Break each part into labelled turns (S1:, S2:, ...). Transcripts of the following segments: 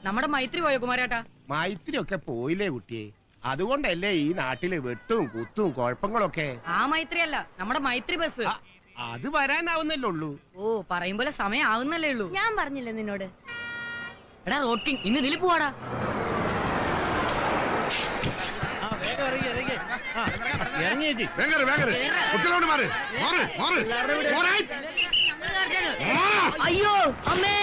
S1: നമ്മുടെ മൈത്രി പോയോ കുമാരേട്ടാ?
S2: മൈത്രി ഒക്കെ പോയില്ലേ കുട്ടിയെ? അതുകൊണ്ടല്ലേ ഈ നാട്ടില് വെട്ടും കുത്തും കുഴപ്പങ്ങളൊക്കെ.
S1: ആ മൈത്രി അല്ല, നമ്മുടെ മൈത്രി ബസ്.
S2: അത് വരാനാവുന്നല്ലേ ഉള്ളൂ.
S1: ഓ, പറയുമ്പോലെ സമയം ആവുന്നല്ലേ ഉള്ളൂ.
S3: ഞാൻ പറഞ്ഞില്ല നിന്നോട്.
S1: എടാ റോഡ് കിങ്, ഇന്ന് ഇതിൽ പോവാടാ. അയ്യോ അമ്മേ!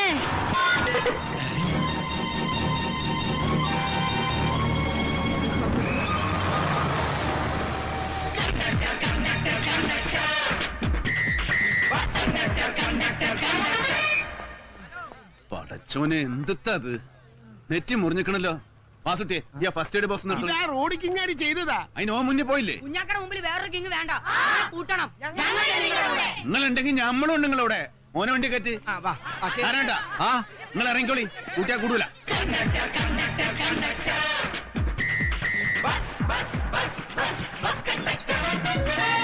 S4: പടച്ചോനെ, എന്ത് നെറ്റി മുറിഞ്ഞിക്കണല്ലോ. വാസുട്ടിയെ ഫസ്റ്റ് എയ്ഡ് ബോക്സ്
S2: റോഡ് കിങ്ങാരി ചെയ്തതാ.
S4: അതിന് ഓ മുന്നേ പോയില്ലേ?
S1: കുഞ്ഞാക്കട മുമ്പിൽ വേറൊരു കിങ് വേണ്ട, കൂട്ടണം.
S4: നിങ്ങളുണ്ടെങ്കിൽ ഞമ്മളും ഉണ്ട് നിങ്ങളവിടെ. മോനെ വണ്ടി കയറ്റി ആരാണ്ട. ആ, നിങ്ങൾ ഇറങ്ങിക്കോളി, കൂട്ടിയാ കൂടൂല.
S5: bus, bus, bus, bus, bus conductor.